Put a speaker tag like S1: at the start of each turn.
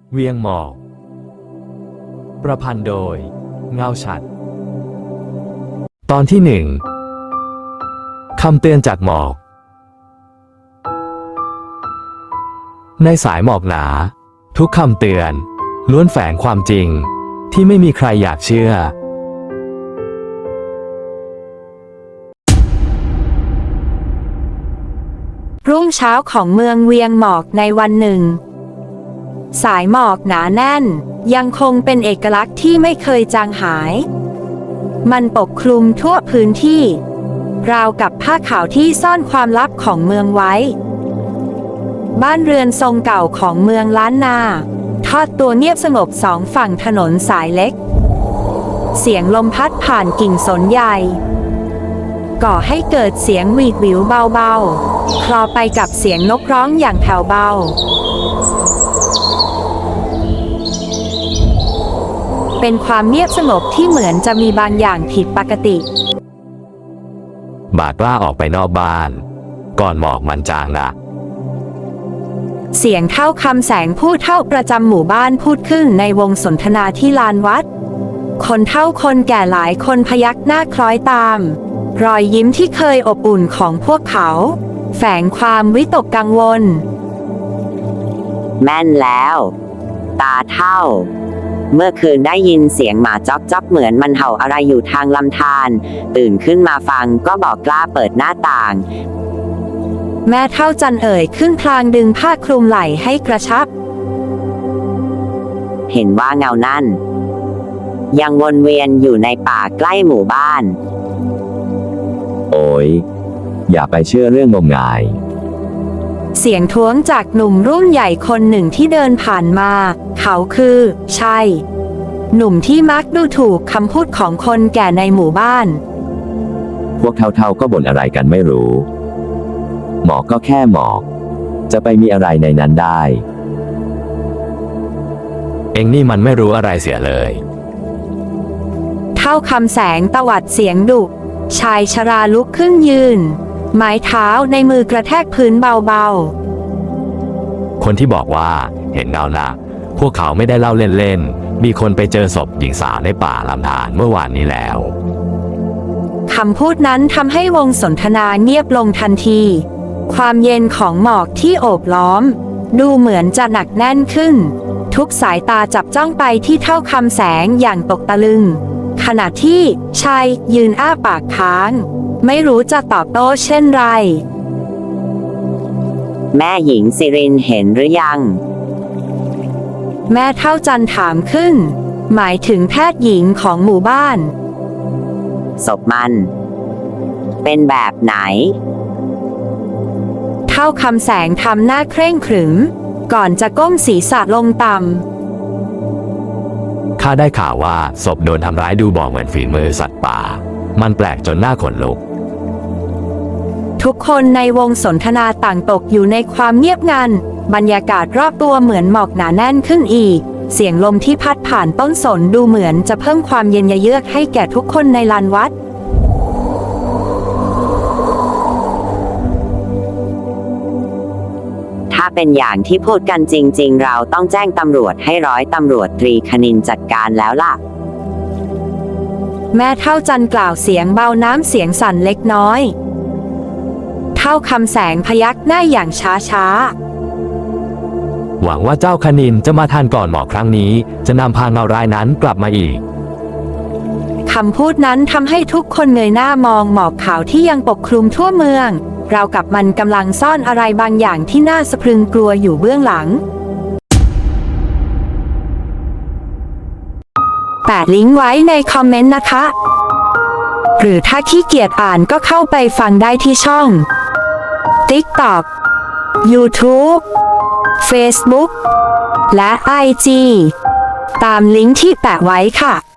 S1: เวียงหมอกประพันธ์โดยเงาฉัตรตอนที่1 คำเตือนจากหมอกในสายหมอกหนาทุกคำเตือนล้วนแฝงความจริงที่ไม่มีใครอยากเชื่อ
S2: รุ่งเช้าของเมืองเวียงหมอกในวันหนึ่งสายหมอกหนาแน่นยังคงเป็นเอกลักษณ์ที่ไม่เคยจางหายมันปกคลุมทั่วพื้นที่ราวกับผ้าขาวที่ซ่อนความลับของเมืองไว้บ้านเรือนทรงเก่าของเมืองล้านนาทอดตัวเงียบสงบสองฝั่งถนนสายเล็กเสียงลมพัดผ่านกิ่งสนใหญ่ก่อให้เกิดเสียงหวีดหวิวเบาๆคลอไปกับเสียงนกร้องอย่างแผ่วเบาเป็นความเงียบสงบที่เหมือนจะมีบางอย่างผิดปกติ
S1: บาดกล้าออกไปนอกบ้านก่อนหมอกมันจางนะ
S2: เสียงเท่าคำแสงผู้เฒ่าประจำหมู่บ้านพูดขึ้นในวงสนทนาที่ลานวัดคนเฒ่าคนแก่หลายคนพยักหน้าคล้อยตามรอยยิ้มที่เคยอบอุ่นของพวกเขาแฝงความวิตกกังวล
S3: แม่นแล้วตาเฒ่าเมื่อคืนได้ยินเสียงหมาจ๊อกจ๊อกเหมือนมันเห่าอะไรอยู่ทางลำธารตื่นขึ้นมาฟังก็บอกกล้าเปิดหน้าต่าง
S2: แม่เฒ่าจันเอ่ยขึ้นพลางดึงผ้าคลุมไหล่ให้กระชับ
S3: เห็นว่าเงานั่นยังวนเวียนอยู่ในป่าใกล้หมู่บ้าน
S4: โอ้ยอย่าไปเชื่อเรื่องงมงาย
S2: เสียงท้วงจากหนุ่มรุ่นใหญ่คนหนึ่งที่เดินผ่านมาเขาคือใช่หนุ่มที่มักดูถูกคำพูดของคนแก่ในหมู่บ้าน
S4: พวกเท่าๆก็บ่นอะไรกันไม่รู้หมอกก็แค่หมอกจะไปมีอะไรในนั้นได้
S1: เอ็งนี่มันไม่รู้อะไรเสียเลย
S2: เท่าคำแสงตวัดเสียงดุชายชราลุกขึ้นยืนไม้เท้าในมือกระแทกพื้นเบา
S1: ๆคนที่บอกว่าเห็นเงาน่ะพวกเขาไม่ได้เล่าเล่นๆมีคนไปเจอศพหญิงสาวในป่าลำธารเมื่อวานนี้แล้ว
S2: คำพูดนั้นทำให้วงสนทนาเงียบลงทันทีความเย็นของหมอกที่โอบล้อมดูเหมือนจะหนักแน่นขึ้นทุกสายตาจับจ้องไปที่เท่าคำแสงอย่างตกตะลึงขณะที่ชายยืนอ้าปากค้างไม่รู้จะตอบโต้เช่นไร
S3: แม่หญิงสิรินเห็นหรือยัง
S2: แม่เฒ่าจันถามขึ้นหมายถึงแพทย์หญิงของหมู่บ้าน
S3: ศพมันเป็นแบบไหน
S2: เท่าคำแสงทำหน้าเคร่งขรึมก่อนจะก้มศีรษะลงต่
S1: ำข้าได้ข่าวว่าศพโดนทำร้ายดูบอกเหมือนฝีมือสัตว์ป่ามันแปลกจนหน้าขนลุก
S2: ทุกคนในวงสนทนาต่างตกอยู่ในความเงียบงันบรรยากาศรอบตัวเหมือนหมอกหนาแน่นขึ้นอีกเสียงลมที่พัดผ่านต้นสนดูเหมือนจะเพิ่มความเย็นเยือกให้แก่ทุกคนในลานวัด
S3: ถ้าเป็นอย่างที่พูดกันจริงๆเราต้องแจ้งตำรวจให้ร้อยตำรวจตรีคณินจัดการแล้วล่ะ
S2: แม่เฒ่าจันกล่าวเสียงเบาน้ำเสียงสั่นเล็กน้อยเท่าคำแสงพยักหน้าอย่างช้า
S1: หวังว่าเจ้าคณินจะมาทันก่อนหมอกครั้งนี้จะนำพาเงารายนั้นกลับมาอีก
S2: คำพูดนั้นทำให้ทุกคนเงยหน้ามองหมอกขาวที่ยังปกคลุมทั่วเมืองราวกับมันกำลังซ่อนอะไรบางอย่างที่น่าสะพรึงกลัวอยู่เบื้องหลังแปะลิงก์ไว้ในคอมเมนต์นะคะหรือถ้าขี้เกียจอ่านก็เข้าไปฟังได้ที่ช่อง TikTok YouTube Facebook และ IG ตามลิงก์ที่แปะไว้ค่ะ